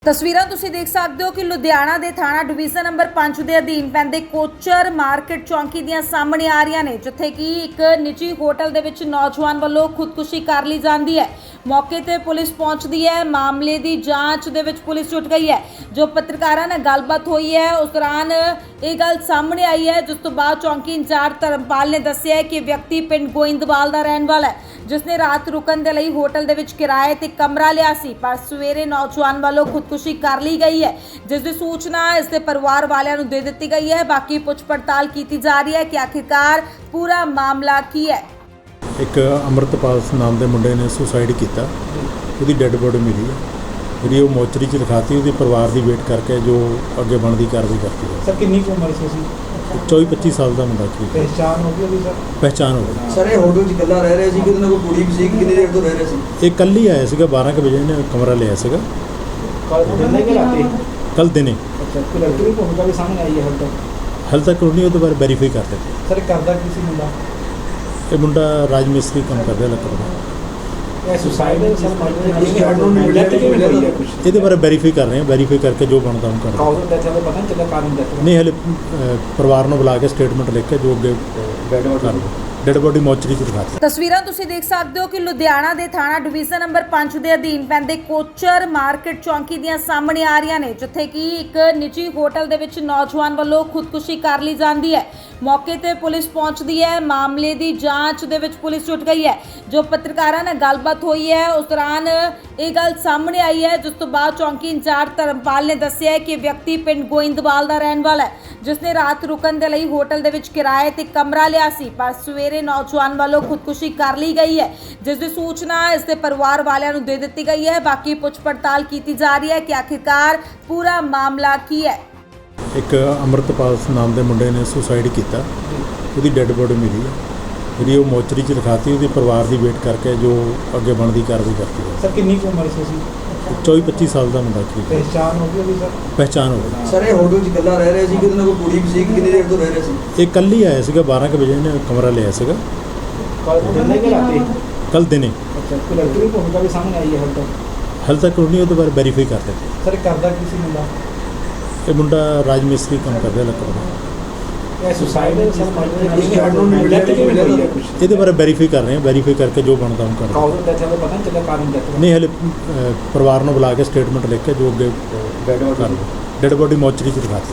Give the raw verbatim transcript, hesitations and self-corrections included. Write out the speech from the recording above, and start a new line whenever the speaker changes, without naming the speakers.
ਤਸਵੀਰਾਂ ਤੁਸੀਂ ਦੇਖ ਸਕਦੇ ਹੋ ਕਿ ਲੁਧਿਆਣਾ ਦੇ ਥਾਣਾ ਡਿਵੀਜ਼ਨ ਨੰਬਰ ਪੰਜ ਦੇ ਅਧੀਨ ਪੈਂਦੇ ਕੋਚਰ ਮਾਰਕੀਟ ਚੌਂਕੀ ਦੀਆਂ ਸਾਹਮਣੇ ਆ ਰਹੀਆਂ ਨੇ, ਜਿੱਥੇ ਕਿ ਇੱਕ ਨਿੱਜੀ ਹੋਟਲ ਦੇ ਵਿੱਚ ਨੌਜਵਾਨ ਵੱਲੋਂ ਖੁਦਕੁਸ਼ੀ ਕਰ ਲਈ ਜਾਂਦੀ ਹੈ। ਮੌਕੇ ਤੇ ਪੁਲਿਸ ਪਹੁੰਚਦੀ ਹੈ। ਮਾਮਲੇ ਦੀ ਜਾਂਚ ਦੇ ਵਿੱਚ ਪੁਲਿਸ ਜੁਟ ਗਈ ਹੈ। ਜੋ ਪੱਤਰਕਾਰਾਂ ਨਾਲ ਗੱਲਬਾਤ ਹੋਈ ਹੈ ਉਸ ਦੌਰਾਨ ਇਹ ਗੱਲ ਸਾਹਮਣੇ ਆਈ ਹੈ, ਜਿਸ ਤੋਂ ਬਾਅਦ ਚੌਂਕੀ ਇੰਚਾਰਜ ਧਰਮਪਾਲ ਨੇ ਦੱਸਿਆ ਹੈ ਕਿ ਵਿਅਕਤੀ ਪਿੰਡ ਗੋਇੰਦਵਾਲ ਦਾ ਰਹਿਣ ਵਾਲਾ ਹੈ, ਜਿਸਨੇ ਰਾਤ ਰੁਕਣ ਦੇ ਲਈ ਹੋਟਲ ਦੇ ਵਿੱਚ ਕਿਰਾਏ ਤੇ ਕਮਰਾ ਲਿਆ ਸੀ, ਪਰ ਸਵੇਰੇ ਨੌਜਵਾਨ ਵੱਲੋਂ ਖੁਦਕੁਸ਼ੀ ਕਰ ਲਈ ਗਈ ਹੈ, ਜਿਸ ਦੀ ਸੂਚਨਾ ਇਸ ਦੇ ਪਰਿਵਾਰ ਵਾਲਿਆਂ ਨੂੰ ਦੇ ਦਿੱਤੀ ਗਈ ਹੈ। ਬਾਕੀ ਪੁੱਛ ਪੜਤਾਲ ਕੀਤੀ ਜਾ ਰਹੀ ਹੈ ਕਿ ਆਖਿਰਕਾਰ ਪੂਰਾ ਮਾਮਲਾ ਕੀ ਹੈ।
ਇੱਕ ਅੰਮ੍ਰਿਤਪਾਲ ਨਾਮ ਦੇ ਮੁੰਡੇ ਨੇ ਸੁਸਾਈਡ ਕੀਤਾ, ਉਹਦੀ ਡੈੱਡ ਬੋਡੀ ਮਿਲੀ ਹੈ, ਜਿਹੜੀ ਉਹ ਮੋਚਰੀ 'ਚ ਰਖਾਤੀ। ਉਹਦੇ ਪਰਿਵਾਰ ਦੀ ਵੇਟ ਕਰਕੇ ਜੋ ਅੱਗੇ ਬਣਦੀ ਕਾਰਵਾਈ ਕਰਤੀ ਹੈ।
ਸਰ ਕਿੰਨੀ ਕੁ ਉਮਰ ਸੀ ਉਸਦੀ?
ਚੌਵੀ ਪੱਚੀ ਸਾਲ ਦਾ ਮੁੰਡਾ ਸੀ।
ਪਹਿਚਾਣ ਹੋ ਗਈ ਉਹਦੀ ਸਰ?
ਪਹਿਚਾਣ ਹੋ ਗਈ।
ਸਰ ਇਹ ਹੋਟਲ 'ਚ ਇਕੱਲਾ ਰਹਿ ਰਿਹਾ ਸੀ ਕਿ ਉਹਦੇ ਨਾਲ ਕੋਈ ਕੁੜੀ ਵੀ ਸੀ? ਕਿੰਨੀ ਦੇਰ ਤੋਂ ਰਹਿ ਰਿਹਾ ਸੀ?
ਇਹ ਕੱਲ੍ਹ ਹੀ ਆਇਆ ਸੀਗਾ, ਬਾਰਾਂ ਕੁ ਵਜੇ ਇਹਨੇ ਕਮਰਾ ਲਿਆ ਸੀਗਾ।
ਕੱਲ ਦਿਨੇ ਕਿ ਰਾਤੀ?
ਕੱਲ੍ਹ ਦਿਨੇ।
ਅੱਛਾ, ਕੋਈ ਲੜਕੀ ਦੀ ਭੂਮਿਕਾ ਵੀ ਸਾਹਮਣੇ ਆਈ ਹੈ ਹਾਲੇ ਤੱਕ?
ਹਾਲੇ ਤੱਕ ਉਹਨੇ ਉਹਦੇ ਬਾਰੇ ਵੈਰੀਫਾਈ ਕਰ ਦਿੱਤੇ।
ਸਰ ਕਰਦਾ ਕੀ ਸੀ ਮੁੰਡਾ?
ਇਹ ਮੁੰਡਾ ਰਾਜ ਮਿਸਤਰੀ ਕੰਮ ਕਰਦਾ ਲੱਕੜ ਦਾ।
ਇਹ ਸੁਸਾਈਡ ਹੈ ਸਰ?
ਕੁਛ
ਇਹਦੇ ਬਾਰੇ ਵੈਰੀਫਾਈ ਕਰ ਰਹੇ ਹਾਂ, ਵੈਰੀਫਾਈ ਕਰਕੇ ਜੋ ਬਣਦਾ ਉਹ ਕਰ
ਕਾਰਨ ਦਾ ਚੱਲ ਪਤਾ ਨਹੀਂ ਚੱਲਿਆ ਕਾਰਨ ਦਾ?
ਨਹੀਂ, ਹਲੇ ਪਰਿਵਾਰ ਨੂੰ ਬੁਲਾ ਕੇ ਸਟੇਟਮੈਂਟ ਲਿਖ ਕੇ ਜੋ ਅੱਗੇ ਡੈੱਡ ਬੋਡੀ ਮੋਚਰੀ 'ਚ ਰਖਾਤੀ।
ਤਸਵੀਰਾਂ ਤੁਸੀਂ ਦੇਖ ਸਕਦੇ ਹੋ ਕਿ ਲੁਧਿਆਣਾ ਦੇ ਥਾਣਾ ਡਿਵੀਜ਼ਨ ਨੰਬਰ ਪੰਜ ਦੇ ਅਧੀਨ ਪੈਂਦੇ ਕੋਚਰ ਮਾਰਕੀਟ ਚੌਂਕੀ ਦੀਆਂ ਸਾਹਮਣੇ ਆ ਰਹੀਆਂ ਨੇ, ਜਿੱਥੇ ਕਿ ਇੱਕ ਨਿੱਜੀ ਹੋਟਲ ਦੇ ਵਿੱਚ ਨੌਜਵਾਨ ਵੱਲੋਂ ਖੁਦਕੁਸ਼ੀ ਕਰ ਲਈ ਜਾਂਦੀ ਹੈ। ਮੌਕੇ ਤੇ ਪੁਲਿਸ ਪਹੁੰਚਦੀ ਹੈ। ਮਾਮਲੇ ਦੀ ਜਾਂਚ ਦੇ ਵਿੱਚ ਪੁਲਿਸ ਜੁਟ ਗਈ ਹੈ। ਜੋ ਪੱਤਰਕਾਰਾਂ ਨਾਲ ਗੱਲਬਾਤ ਹੋਈ ਹੈ ਉਸ ਦੌਰਾਨ ਇਹ ਗੱਲ ਸਾਹਮਣੇ ਆਈ ਹੈ, ਜਿਸ ਤੋਂ ਬਾਅਦ ਚੌਂਕੀ ਇੰਚਾਰਜ ਧਰਮਪਾਲ ਨੇ ਦੱਸਿਆ ਹੈ ਕਿ ਵਿਅਕਤੀ ਪਿੰਡ ਗੋਇੰਦਵਾਲ ਦਾ ਰਹਿਣ ਵਾਲਾ ਹੈ, ਜਿਸਨੇ ਰਾਤ ਰੁਕਣ ਦੇ ਲਈ ਹੋਟਲ ਦੇ ਵਿੱਚ ਕਿਰਾਏ ਤੇ ਕਮਰਾ ਲਿਆ ਸੀ, ਪਰ ਸਵੇਰੇ ਨੌਜਵਾਨ ਵੱਲੋਂ ਖੁਦਕੁਸ਼ੀ ਕਰ ਲਈ ਗਈ ਹੈ, ਜਿਸ ਦੀ ਸੂਚਨਾ ਇਸ ਦੇ ਪਰਿਵਾਰ ਵਾਲਿਆਂ ਨੂੰ ਦੇ ਦਿੱਤੀ ਗਈ ਹੈ। ਬਾਕੀ ਪੁੱਛ ਪੜਤਾਲ ਕੀਤੀ ਜਾ ਰਹੀ ਹੈ ਕਿ ਆਖਿਰਕਾਰ ਪੂਰਾ ਮਾਮਲਾ ਕੀ ਹੈ।
ਇੱਕ ਅੰਮ੍ਰਿਤਪਾਲ ਨਾਮ ਦੇ ਮੁੰਡੇ ਨੇ ਸੁਸਾਈਡ ਕੀਤਾ, ਉਹਦੀ ਡੈੱਡ ਬੋਡੀ ਮਿਲੀ ਹੈ, ਜਿਹੜੀ ਉਹ ਮੋਚਰੀ 'ਚ ਰਖਾਤੀ। ਉਹਦੇ ਪਰਿਵਾਰ ਦੀ ਵੇਟ ਕਰਕੇ ਜੋ ਅੱਗੇ ਬਣਦੀ ਕਾਰਵਾਈ ਕਰਤੀ ਹੈ।
ਸਰ ਕਿੰਨੀ ਕੁ ਉਮਰ ਸੀ ਉਸਦੀ?
ਚੌਵੀ ਪੱਚੀ ਸਾਲ ਦਾ ਮੁੰਡਾ ਸੀ।
ਪਹਿਚਾਣ ਹੋ ਗਈ ਉਹਦੀ ਸਰ?
ਪਹਿਚਾਣ ਹੋ ਗਈ।
ਸਰ ਇਹ ਹੋਟਲ 'ਚ ਇਕੱਲਾ ਰਹਿ ਰਿਹਾ ਸੀ ਕਿ ਉਹਦੇ ਨਾਲ ਕੋਈ ਕੁੜੀ ਵੀ ਸੀ? ਕਿੰਨੀ ਦੇਰ ਤੋਂ ਰਹਿ ਰਿਹਾ ਸੀ?
ਇਹ ਕੱਲ੍ਹ ਹੀ ਆਇਆ ਸੀਗਾ, ਬਾਰਾਂ ਕੁ ਵਜੇ ਇਹਨੇ ਕਮਰਾ ਲਿਆ ਸੀਗਾ।
ਕੱਲ ਦਿਨੇ ਕਿ ਰਾਤੀ?
ਕੱਲ੍ਹ ਦਿਨੇ।
ਅੱਛਾ, ਕੋਈ ਲੜਕੀ ਦੀ ਭੂਮਿਕਾ ਵੀ ਸਾਹਮਣੇ ਆਈ ਹੈ ਹਾਲੇ ਤੱਕ?
ਹਾਲੇ ਤੱਕ ਉਹਨੇ ਉਹਦੇ ਬਾਰੇ ਵੈਰੀਫਾਈ ਕਰ ਦਿੱਤੇ।
ਸਰ ਕਰਦਾ ਕੀ ਸੀ ਮੁੰਡਾ?
ਇਹ ਮੁੰਡਾ ਰਾਜ ਮਿਸਤਰੀ ਕੰਮ ਕਰਦਾ ਲੱਕੜ ਦਾ।
ਇਹ ਸੁਸਾਈਡ ਹੈ ਸਰ?
ਕੁਛ
ਇਹਦੇ ਬਾਰੇ ਵੈਰੀਫਾਈ ਕਰ ਰਹੇ ਹਾਂ, ਵੈਰੀਫਾਈ ਕਰਕੇ ਜੋ ਬਣਦਾ ਉਹ ਕਰ
ਕਾਰਨ ਦਾ ਚੱਲ ਪਤਾ ਨਹੀਂ ਚੱਲਿਆ ਕਾਰਨ ਦਾ?
ਨਹੀਂ, ਹਲੇ ਪਰਿਵਾਰ ਨੂੰ ਬੁਲਾ ਕੇ ਸਟੇਟਮੈਂਟ ਲਿਖ ਕੇ ਜੋ ਅੱਗੇ ਡੈੱਡ ਬੋਡੀ ਮੋਚਰੀ 'ਚ ਰਖਾਤੀ।